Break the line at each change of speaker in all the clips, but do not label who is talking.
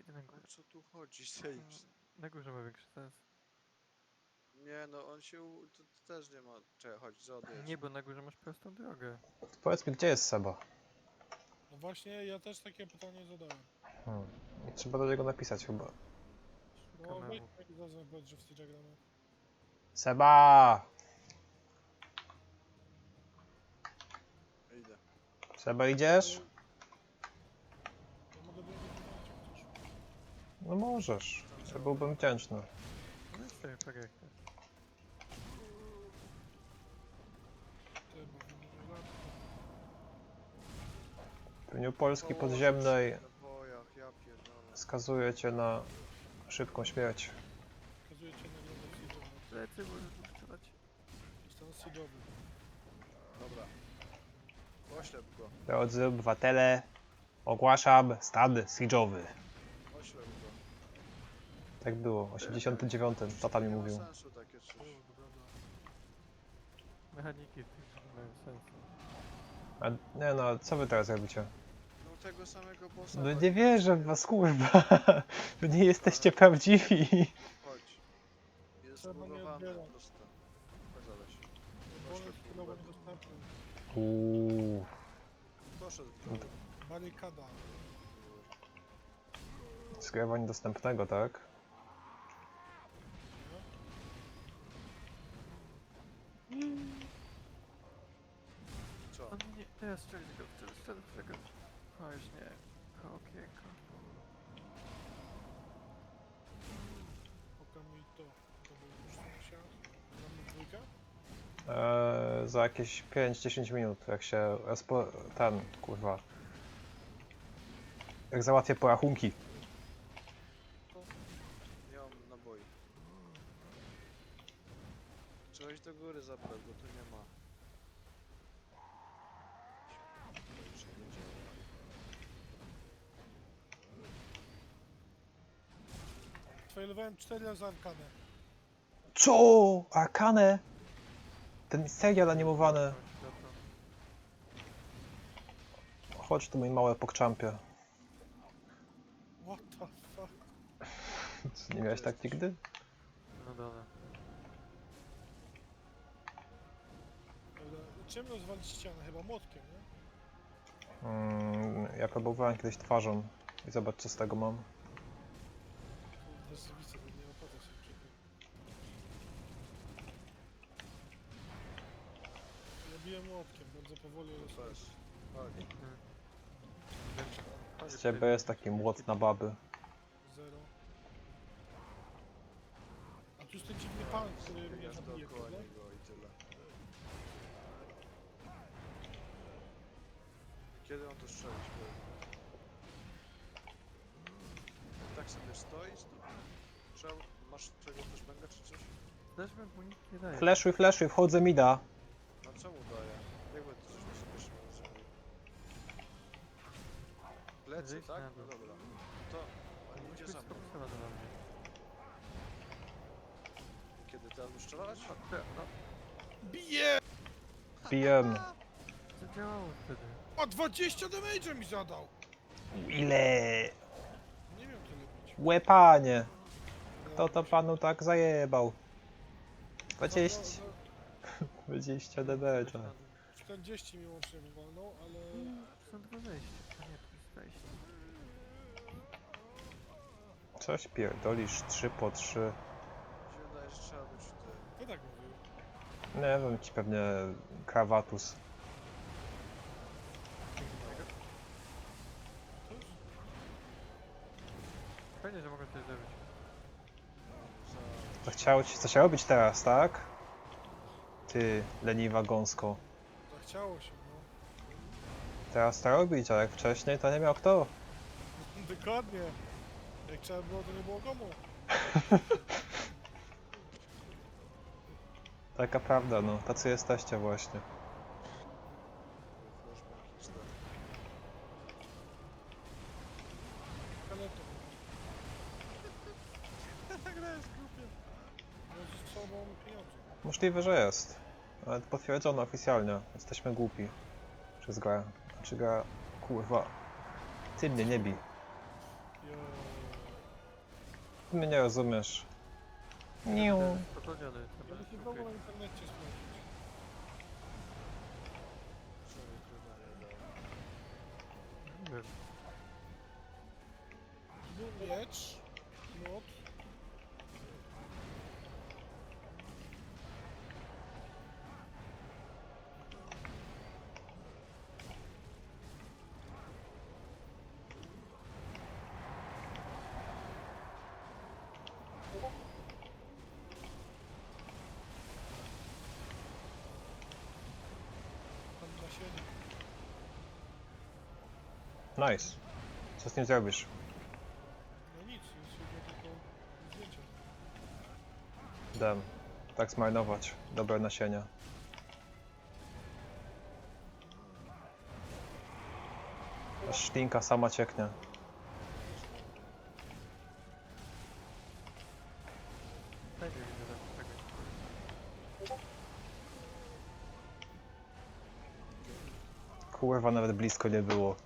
na górze.
O co tu chodzi, Sage?
Na górze ma większy sens.
Nie no, on się... To też nie ma... Czekaj, chodź, zaodjedź.
Nie, bo na górze masz prostą drogę.
Powiedz mi, gdzie jest Seba?
No właśnie, ja też takie pytanie zadałem.
I trzeba do niego napisać chyba.
No
Szukamy
weź
mu.
taki zadzwoń, powiedz, że w Stage'a gramy.
Seba!
Idę.
Seba, idziesz?
Ja mogę do niego dzwonić chociaż.
No możesz. Ja byłbym wdzięczny.
No jest sobie tak jak chcesz.
Ty, bo w innym lat.
W dniu Polski
O,
podziemnej
Na bojach, ja pierdolę.
skazuje cię na szybką śmierć.
Pokazuję cię na grę Stage'a.
Plecy możesz strzelać.
Stan Stage'owy.
Dobra. Oślep go,
Drodzy obywatele, ogłaszam stan siege'owy.
oślep go.
Tak było, 89. Tata mi
Nie
mówił.
ma sensu takie coś.
Mechaniki w tych nie mają sensu.
A nie no, co wy teraz robicie?
No tego samego bossa...
No
chodź.
nie wierzę w was, kurwa. Wy nie jesteście prawdziwi.
Chodź. Jest
Trzeba nie
zbugowane
odbierać.
prosto. Chodź zaleś.
Bonus chwilowo niedostępny.
Poszedł w dół.
Barykada.
Skrywanie dostępnego, tak?
Co?
O nie, teraz strzelić go, strzel w tego. O już nie. Okieko.
Pokaż mi to. To był już się. Mamy dwójkę?
Za jakieś 5-10 minut, jak się ten, kurwa. Jak załatwię porachunki.
Nie mam naboi. Trzeba iść do góry zabrać, bo tu nie ma. Już nie działa.
Failowałem 4 razy arkadę.
Co? Arkane? Ten serial animowany. Chodź tu, mój małe pokczampie.
What the fuck?
Nie miałeś tak nigdy?
No dobra.
Dobra, czym rozwalić ścianę? Chyba młotkiem, nie?
Ja próbowałem kiedyś twarzą. I zobacz, co z tego mam.
Kurde, rzeczywiście, to nie opłaca się przykryć. Ja biję młotkiem, bardzo powoli, ale sobie.
Też. Chodź.
Z ciebie jest taki młot na baby.
0. A tu jest ten dziwny pan, który mnie
Biegasz
zabije,
dookoła
prawda?
niego i tyle. Kiedy on to strzelić powinien? Tak sobie stoisz tu? Trzeba... Masz czego też bęga czy coś?
Flashbang mu nic nie daje.
Flashuj, wchodzę mida.
A co mu daje? Jakby to coś sobie szybko zrobił? Plecy,
Zejść
tak?
na
No
dół.
dobra. To... On
Musi
idzie
być
za mną.
sfokusowana na mnie.
Kiedy teraz mu strzelać?
No,
Bije!
Bijem.
zadziałało wtedy.
A 20 damage'a mi zadał!
Ile?
Nie wiem tyle bić.
Łepanie. Kto to panu tak zajebał? 20. 20 debecza.
40 mi łącznie wywalnął, ale...
Tu są dwa zejścia. A nie, tu jest wejście.
Coś pierdolisz 3 po 3.
Mi się wydaje, że trzeba być ty.
To tak mówił.
Nie wiem, ci pewnie krawatus.
Fajnie, że mogę coś zrobić.
Za...
To chciał ci coś robić teraz, tak? Ty, leniwa gąsko.
Zachciało się, no.
Teraz to robić, a jak wcześniej to nie miał kto.
Dokładnie. Jak trzeba było, to nie było komu.
Taka prawda, no. Tacy jesteście właśnie.
Flashback XD.
Kaleto.
Ta gra jest głupia.
No ze sobą pieniądze.
Możliwe, że jest. Ale potwierdzono oficjalnie. Jesteśmy głupi. Przez grę. Znaczy gra... Kurwa. Ty mnie nie bij.
Jo.
Ty mnie nie rozumiesz. Niu.
Popełniony
Ja
temat.
muszę znowu na internecie sprawdzić.
Człowieku Maria,
Nie wiem.
Był miecz, młot. Tam nasienie.
Nice. Co z nim zrobisz?
No nic, jest chyba tylko zdjęcie.
Dem. Tak zmarnować. Dobre nasienia. Aż ślinka sama cieknie.
Ja nie widzę tam tego.
Kurwa, nawet blisko nie było.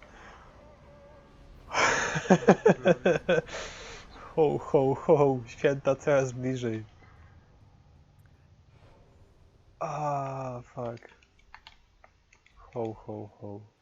Ho, ho, ho. Święta coraz bliżej. Ah, fuck. Ho, ho, ho.